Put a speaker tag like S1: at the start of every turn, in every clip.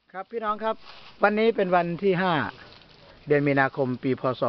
S1: ครับพี่น้องครับวันนี้เป็นวันที่5เดือนมีนาคมปีพศ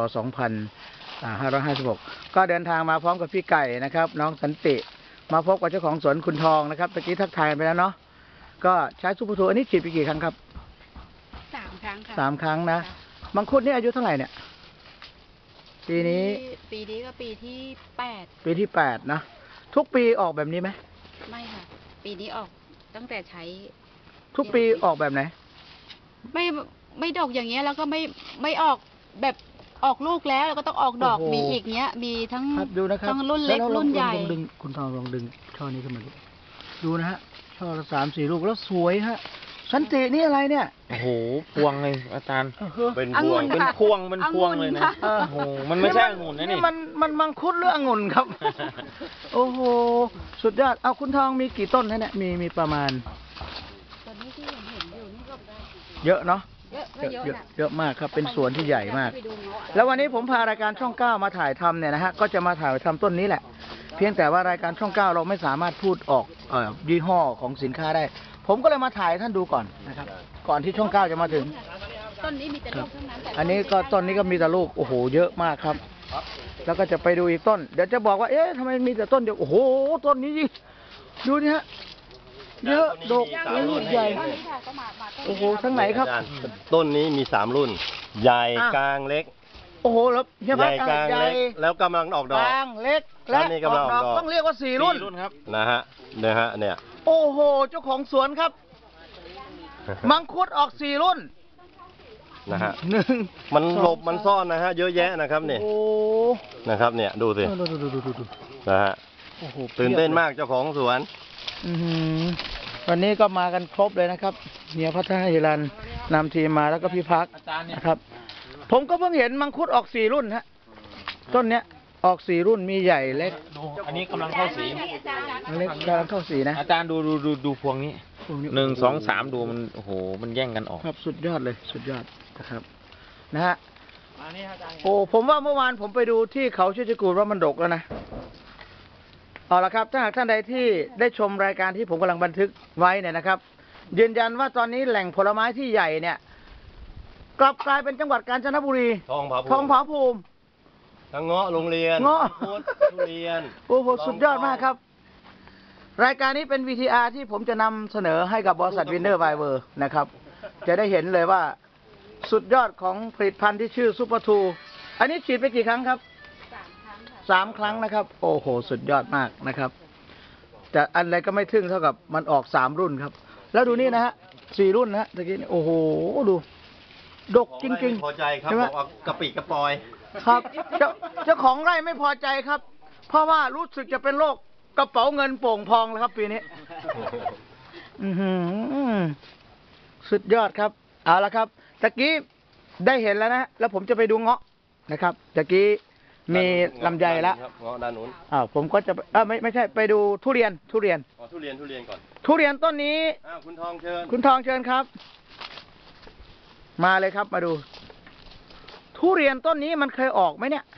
S1: 2556ก็เดินทางมาพร้อมกับพี่ไก่นะครับน้องสันติมาพบกับเจ้าของสวนคุณทองนะครับตะกี้ทักทายไปแล้วเนาะก็ใช้ซุปเปอร์ทูอันนี้ฉีดไปกี่ครั้งครับ
S2: 3 ครั้งค่ะ
S1: 3 ครั้งนะมังคุดนี่อายุเท่าไหร่เนี่ยปีนี้
S2: ก็ปีที่8
S1: ปีที่8นะทุกปีออกแบบนี้ไหม
S2: ไม่ค่ะปีนี้ออกตั้งแต่ใช้
S1: ทุกปีออกแบบไหน
S2: ไม่ดอกอย่างเงี้ยแล้วก็ไม่ออกแบบออกลูกแล้วก็ต้องออกดอกมีอีกเงี้ยมีทั้ง
S1: ดูนะครับ
S2: ทั้งรุ่นเล็กรุ่นใหญ่
S1: ดึงคุณทองลองดึงช่อนี้ขึ้นมาดูนะฮะช่อละ3-4 ลูกแล้วสวยฮะสันตินี่อะไรเนี่ย
S3: โอ้โหพวงเลยอาจารย์
S2: เป็นพวง
S3: เลยนะโอ้โหมันไม่ใช่องุ่นนะนี่
S1: มันมังคุดหรือองุ่นครับโอ้โหสุดยอดเอาคุณทองมีกี่ต้นนะเนี่ยมีประมาณ
S2: ตอนนี้ที่เห็นอยู่นี่ก็
S1: เยอะเนาะเยอะมากครับเป็นสวนที่ใหญ่มากแล้ววันนี้ผมพารายการช่อง9มาถ่ายทำเนี่ยนะฮะก็จะมาถ่ายทำต้นนี้แหละเพียงแต่ว่ารายการช่อง9เราไม่สามารถพูดออกยี่ห้อของสินค้าได้ผมก็เลยมาถ่ายท่านดูก่อนนะครับก่อนที่ช่อง9จะมาถึง
S2: ต้นนี้มีแต่ลูกทั้งนั้น
S1: อันนี้ก็ต้นนี้ก็มีแต่ลูกโอ้โหเยอะมากครับแล้วก็จะไปดูอีกต้นเดี๋ยวจะบอกว่าเอ๊ะทำไมมีแต่ต้นเดียวโอ้โหต้นนี้ดูนี่ฮะเยอะดกลูกใหญ่โอ้โหทั้งไหนครับ
S4: ต้นนี้มี3 รุ่นใหญ่กลางเล็ก
S1: โอ้โหแล้ว
S4: ใหญ่กลางเล็กแล้วกำลังออกดอก
S1: กลางเล็กและ
S4: นี่กำลังออกดอก
S1: ต้องเรียกว่า4 รุ่น
S3: ครับ
S4: นะฮะเนี่ย
S1: โอ้โหเจ้าของสวนครับมังคุดออก4 รุ่น
S4: นะฮะมันหลบมันซ่อนนะฮะเยอะแยะนะครับเนี่ยนะครับเนี่ยดูสินะฮะตื่นเต้นมากเจ้าของสวน
S1: วันนี้ก็มากันครบเลยนะครับเฮียพัฒนาฮิรันนำทีมมาแล้วก็พี่พักนะครับผมก็เพิ่งเห็นมังคุดออก4 รุ่นฮะต้นเนี้ยออก4 รุ่นมีใหญ่เล็ก
S3: อันนี้กำลังเข้าสี
S1: เล็กกำลังเข้าสีนะ
S3: อาจารย์ดูพวงนี้1 2 3ดูมันโอ้โหมันแย่งกันออก
S1: ครับสุดยอดเลยสุดยอดนะครับนะฮะโอ้ผมว่าเมื่อวานผมไปดูที่เขาชื่อจกูดว่ามันดกแล้วนะเอาละครับถ้าหากท่านใดที่ได้ชมรายการที่ผมกำลังบันทึกไว้เนี่ยนะครับยืนยันว่าตอนนี้แหล่งผลไม้ที่ใหญ่เนี่ยกลับกลายเป็นจังหวัดกาญจนบุรีทองผาภูมิ
S4: ทั้งเงาะโรงเรียน
S1: เงาะ
S4: ทุเรียน
S1: โอ้โหสุดยอดมากครับรายการนี้เป็น VTR ที่ผมจะนำเสนอให้กับบริษัทวินเนอร์ไวเวอร์นะครับจะได้เห็นเลยว่าสุดยอดของผลิตภัณฑ์ที่ชื่อซุปเปอร์ทูอันนี้ฉีดไปกี่ครั้งครับ3 ครั้งนะครับโอ้โหสุดยอดมากนะครับแต่อะไรก็ไม่ทึ่งเท่ากับมันออก3 รุ่นครับแล้วดูนี่นะฮะ4 รุ่นนะฮะตะกี้โอ้โหดูดกจริง
S4: ๆพอใจครับบอกว่ากระปิกระปอย
S1: ครับเจ้าของไร่ไม่พอใจครับเพราะว่ารู้สึกจะเป็นโรคกระเป๋าเงินโป่งพองแล้วครับปีนี้สุดยอดครับเอาละครับตะกี้ได้เห็นแล้วนะแล้วผมจะไปดูเงาะนะครับตะกี้มีลำไยแล้ว
S4: เงาะด้านนู้น
S1: ผมก็จะไม่ใช่ไปดูทุเรียน
S4: ก่อนทุเรียน
S1: ต้นนี้
S4: คุณทองเชิญ
S1: ครับมาเลยครับมาดูทุเรียนต้นนี้มันเคยออกไหมเนี่ย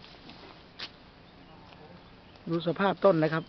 S1: ดูสภาพต้นนะครับ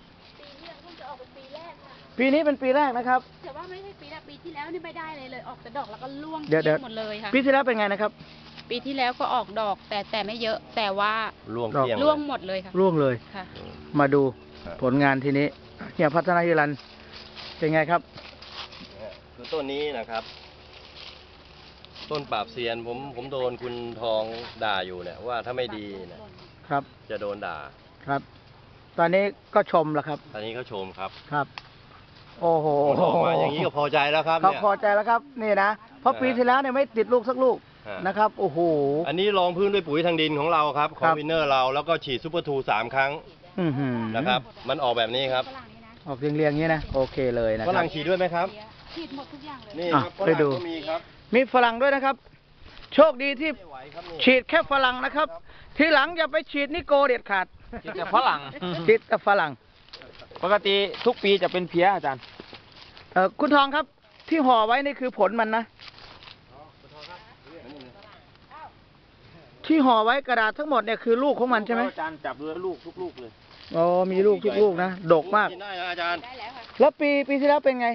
S1: ปีนี้เป็นปีแรกนะครับ
S2: แต่ว่าไม่ใช่ปีแรกปีที่แล้วนี่ไม่ได้เลยออกแต่ดอกแล้วก็ร่วงหมดเลยค่ะ
S1: ปีที่แล้วเป็นไงนะครับ
S2: ปีที่แล้วก็ออกดอกแต่ไม่เยอะแต่ว่า
S4: ร่วง
S2: หมดเลยค่ะ
S1: ร่วงเลย
S2: ค่ะ
S1: มาดูผลงานทีนี้เฮียพัฒนาฮิรันเป็นไงครับ
S4: คือต้นนี้นะครับต้นปราบเซียนผมโดนคุณทองด่าอยู่เนี่ยว่าถ้าไม่ดีนะครับจะโดนด่า
S1: ครับตอนนี้ก็ชมแล้วครับ
S4: ตอนนี้เขาชมครับ
S1: โอ้โห
S4: มาอย่างนี้ก็พอใจแล้วครับ
S1: พอใจแล้วครับนี่นะเพราะปีที่แล้วเนี่ยไม่ติดลูกสักลูกนะครับโอ้โห
S4: อันนี้รองพื้นด้วยปุ๋ยทางดินของเราครับของวินเนอร์เราแล้วก็ฉีดซุปเปอร์ทู3 ครั้งนะครับมันออกแบบนี้ครับ
S1: ออกเรียงๆอย่างนี้นะโอเคเลยนะ
S4: ฝรั่งฉีดด้วยไหมครับ
S2: ฉีดหมดทุกอย่างเลย
S4: นี่ครับ
S1: ไปดูมีฝรั่งด้วยนะครับโชคดีที่ฉีดแค่ฝรั่งนะครับทีหลังอย่าไปฉีดนิโกเด็ดขาด
S3: ฉีดแต่ฝรั่ง
S1: ปกติ
S3: ทุกปีจะเป็นเพี้ยอาจารย์
S1: คุณทองครับที่ห่อไว้นี่คือผลมันนะที่ห่อไว้กระดาษทั้งหมดเนี่ยคือลูกของมันใช่ไหม
S3: อาจารย์จับดูลูกทุกลูกเลย
S1: อ๋อมีลูกทุกลูกนะดกมาก
S4: ได้อาจารย์
S1: แล้วปีที่แล้วเป็นไง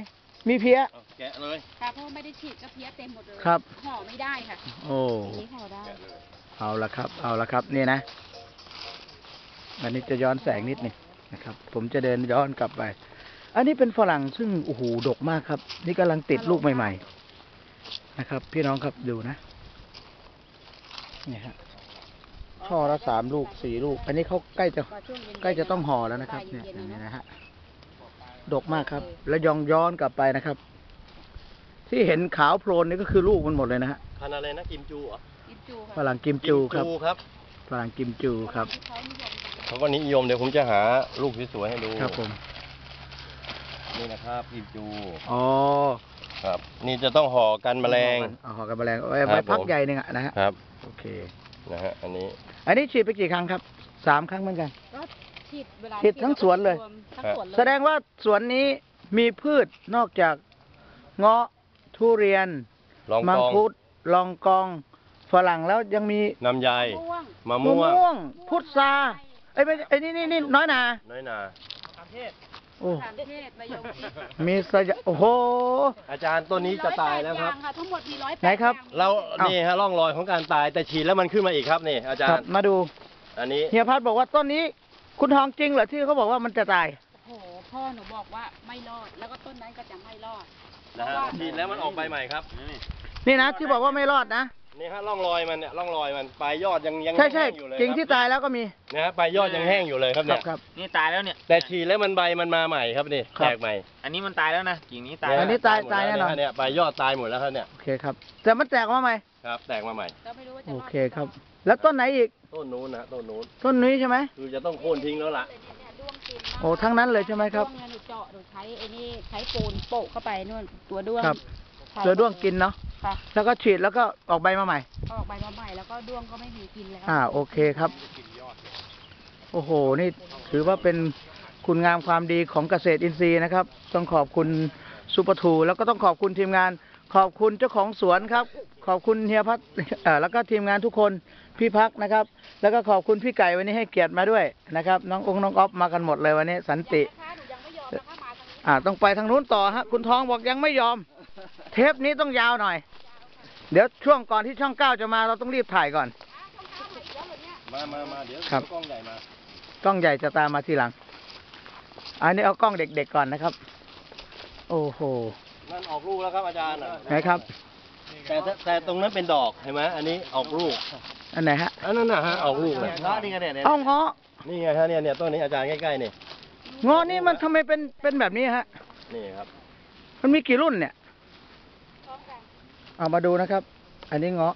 S1: มีเพี้ย
S4: แกะเลย
S2: ค่ะเพราะว่าไม่ได้ฉีดก็เพี้ยเต็มหมดเลย
S1: ครับ
S2: ห่อไม่ได้ค่ะ
S1: โอ้
S2: อย่างนี้ห่อได้
S1: เอาละครับ เอาละครับ นี่นะ อันนี้จะย้อนแสงนิดหนึงนะครับ ผมจะเดินย้อนกลับไป อันนี้เป็นฝรั่งซึ่งโอ้โหดกมากครับ นี่กำลังติดลูกใหม่ๆนะครับ พี่น้องครับดูนะนี่ฮะช่อละ3 ลูก 4 ลูก อันนี้เขาใกล้จะต้องห่อแล้วนะครับ เนี่ยอย่างนี้นะฮะดกมากครับ แล้วย้อนกลับไปนะครับ ที่เห็นขาวโพลนนี่ก็คือลูกมันหมดเลยนะฮะ
S4: พันธุ์อะไรนะกิมจูเหรอ
S2: กิมจู
S1: ฝ
S2: ค่ะ
S1: รั่งกิมจูครับ
S4: ครับ
S1: ฝรั่งกิมจูครับ
S2: ที่เขานิยมกัน
S4: เขาก็นิยมเดี๋ยวผมจะหาลูกสวยๆให้ดู
S1: ครับผม
S4: นี่นะครับกิมจู
S1: อ๋อ
S4: ครับ นี่จะต้องห่อกันแมลง
S1: ห่อกันแมลงไว้
S4: ครับ
S1: ไว้พัก
S4: ผม
S1: ใหญ่หนึ่งอะนะฮะ
S4: ครับ
S1: โอเค
S4: นะฮะอันนี้
S1: อันนี้ฉีดไปกี่ครั้งครับ 3 ครั้งเหมือนกัน
S2: ก็ฉีดเวลา
S1: ฉีดทั้งสวนเลย
S2: ทั้งสวนเลย
S1: แสดงว่าสวนนี้มีพืชนอกจากเงาะทุเรียน
S4: ลอง
S1: มั
S4: กอง
S1: คุดลองกองฝรั่งแล้วยังมี
S4: น้ำไย
S2: ม่วง
S4: มะ
S1: มะ
S4: ม่วง
S1: ม่วง พุทราไอ้ยไม่ไอ้นี่น้อยนา
S4: น้อยนา
S1: โอ้
S2: สามเทศมะยงชิด
S1: มีสยะโอ้โห
S4: อาจารย์ต้นนี้จะตายแล้วครับ
S2: 108องค่ะทั้งหมดมี108
S1: ไหนครับ
S2: อย่าง
S4: เรา
S1: เอ้านี่
S4: นี่ฮะร่องรอยของการตายแต่ฉีดแล้วมันขึ้นมาอีกครับนี่อาจาร
S1: ครับ
S4: ย์
S1: มาดู
S4: อันนี้
S1: เฮียพัดบอกว่าต้นนี้ คุณทองจริงเหรอที่เขาบอกว่ามันจะตาย
S2: โอ้โหพ่อหนูบอกว่าไม่รอด แล้วก็ต้นนั้นก็จะไม่รอด
S4: นะฮะฉีดแล้วมันออกใบใหม่ครับ
S1: นี่นะที่บอกว่าไม่รอดนะ
S4: นี่ฮะร่องรอยมันเนี่ยร่องรอยมันปลายยอดยัง
S1: ใช่ใช่
S4: แห้งอยู่เลย
S1: จริง
S4: ค
S1: ที่
S4: รับ
S1: ตายแล้วก็มี
S4: นะฮะปลายยอดยังแห้งอยู่เลยครับเนี่ย
S1: ครับ
S3: นี่ตายแล้วเนี่ย
S4: แต่ฉีดแล้วมันใบมันมาใหม่ครับนี่
S1: ครับ
S4: แตกใหม่
S3: อันนี้มันตายแล้วนะกิ่งนี้ตาย
S1: อันนี้
S3: แล้ว
S1: ตายแน่นอน
S4: เนี่ยปลายยอดตายหมดแล้วครับเนี่ย
S1: โอเคครับแต่มันแตกมาใหม่
S4: ครับ แตกมาใหม่
S2: ก็ไม่รู้ว่าจะ
S1: โอ
S2: รอด
S1: เคครับ แล้วต้นไหนอีก
S4: ต้นนู้นนะฮะต้นนู้น
S1: ต้นนี้ใช่ไหม
S4: คือจะต้องโค่นทิ้งแล้วล่ะ
S1: โอ้ทั้งนั้นเลยใช่ไหมครับ
S2: ด้วงเนี่ยหนูเจาะหนูใช้ไอ้นี่ใช้ปูนโปะเข้าไปนู่นตัวด้วง
S1: ครับ
S2: ค่ะ
S1: เจอด้วงกินเนาะ
S2: ค่ะ
S1: แล้วก็ฉีดแล้วก็ออกใบมาใหม่
S2: ออกใบมาใหม่แล้วก็ด้วงก็ไม่มีกินแล้ว
S1: โอเคครับ โอ้โห นี่ถือว่าเป็นคุณงามความดีของเกษตรอินทรีย์นะครับ ต้องขอบคุณซูเปอร์ทูแล้วก็ต้องขอบคุณทีมงาน ขอบคุณเจ้าของสวนครับ ขอบคุณเฮียพัฒน์ แล้วก็ทีมงานทุกคน พี่พักนะครับ แล้วก็ขอบคุณพี่ไก่วันนี้ให้เกียรติมาด้วยนะครับ น้องน้องอ๊อฟมากันหมดเลยวันนี้ สันติ
S2: นะคะหนูยังไม่ยอมนะคะมาทางนี้
S1: ต้องไปทางนู้นต่อฮะ คุณทองบอกยังไม่ยอม เทปนี้ต้องยาวหน่อย เดี๋ยวช่วงก่อนที่ช่อง 9จะมาเราต้องรีบถ่ายก่อน
S4: มาเดี๋ยว
S1: ครับ
S4: กล้องใหญ่มา
S1: กล้องใหญ่จะตามมาทีหลัง อันนี้เอากล้องเด็กๆก่อนนะครับ โอ้โห
S4: นั่นออกลูกแล้วครับอาจารย์น่ะ
S1: ไหนครับ
S4: แต่ตรงนั้นเป็นดอกเห็นไหมอันนี้ออกลูก
S1: อันไหนฮะ
S4: อันนั้นนะฮะออกลูกเลยนี่ไงเนี่ย
S1: เอาเงาะ
S4: นี่ไงฮะเนี่ยต้นนี้อาจารย์ใกล้ๆนี่
S1: เงาะนี่มันทำไมเป็นแบบนี้ฮะ
S4: นี่ครับ
S1: มันมีกี่รุ่นเนี่ย เอามาดูนะครับ อันนี้เงาะ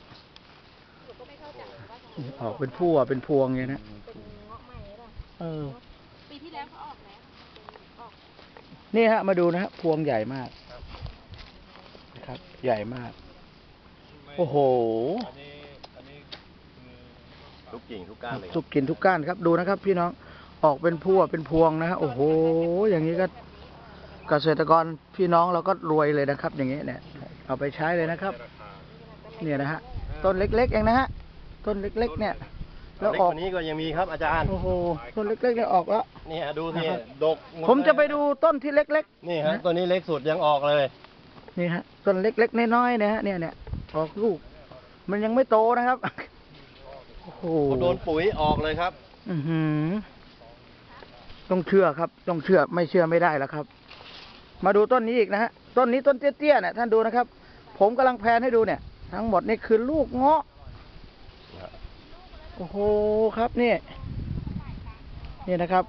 S1: ออกเป็นพั่วเป็นพวงอย่างนี้นะเออ
S2: ปีที่แล้วเขาออกแล้ว
S1: นี่ฮะ มาดูนะฮะ พวงใหญ่มากนะครับ ใหญ่มาก โอ้โห
S4: ทุกกิ่งทุกก้านเลย
S1: ทุกกินทุกก้านครับ ดูนะครับ พี่น้อง ออกเป็นพั่วเป็นพวงนะฮะ โอ้โห อย่างนี้ก็เกษตรกรพี่น้องเราก็รวยเลยนะครับ อย่างนี้เนี่ย เอาไปใช้เลยนะครับ เนี่ยนะฮะ ต้นเล็กๆเองนะฮะ ต้นเล็กๆเนี่ย แล้ว
S4: เล็ก
S1: ออก
S4: กว่านี้ก็ยังมีครับอาจารย์
S1: โอ้โห ต้นเล็กๆเนี่ยออกแล้ว
S4: นี่ฮะดูสิ
S1: นะครับ
S4: ดกหด
S1: ผมจะไปดูต้นที่เล็ก
S4: นี่ฮะตัวนี้เล็กสุดยังออกเลย
S1: ๆ นี่ฮะ ต้นเล็กๆน้อยๆนะฮะ เนี่ยออกลูก มันยังไม่โตนะครับ โอ้โห
S4: โดนปุ๋ยออกเลยครับ
S1: อือหือต้องเชื่อครับ ต้องเชื่อ ไม่เชื่อไม่ได้แล้วครับ มาดูต้นนี้อีกนะฮะ ต้นนี้ต้นเตี้ยๆเนี่ยท่านดูนะครับ ผมกำลังแพนให้ดูเนี่ย ทั้งหมดนี่คือลูกเงาะ โอ้โห ครับนี่ นี่นะครับ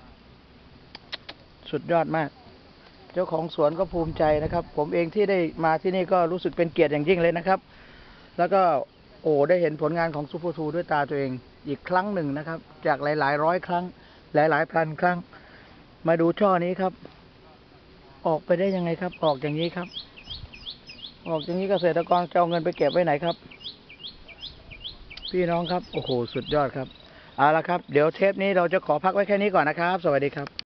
S1: สุดยอดมาก เจ้าของสวนก็ภูมิใจนะครับ ผมเองที่ได้มาที่นี่ก็รู้สึกเป็นเกียรติอย่างยิ่งเลยนะครับ แล้วก็ได้เห็นผลงานของซูเปอร์ทูด้วยตาตัวเองอีกครั้งหนึ่งนะครับ จากหลายๆร้อยครั้ง หลายๆพันครั้ง มาดูช่อนี้ครับ ออกไปได้ยังไงครับ ออกอย่างนี้ครับ ออกอย่างนี้เกษตรกรจะเอาเงินไปเก็บไว้ไหนครับ พี่น้องครับ โอ้โห สุดยอดครับ เอาละครับ เดี๋ยวเทปนี้เราจะขอพักไว้แค่นี้ก่อนนะครับ สวัสดีครับ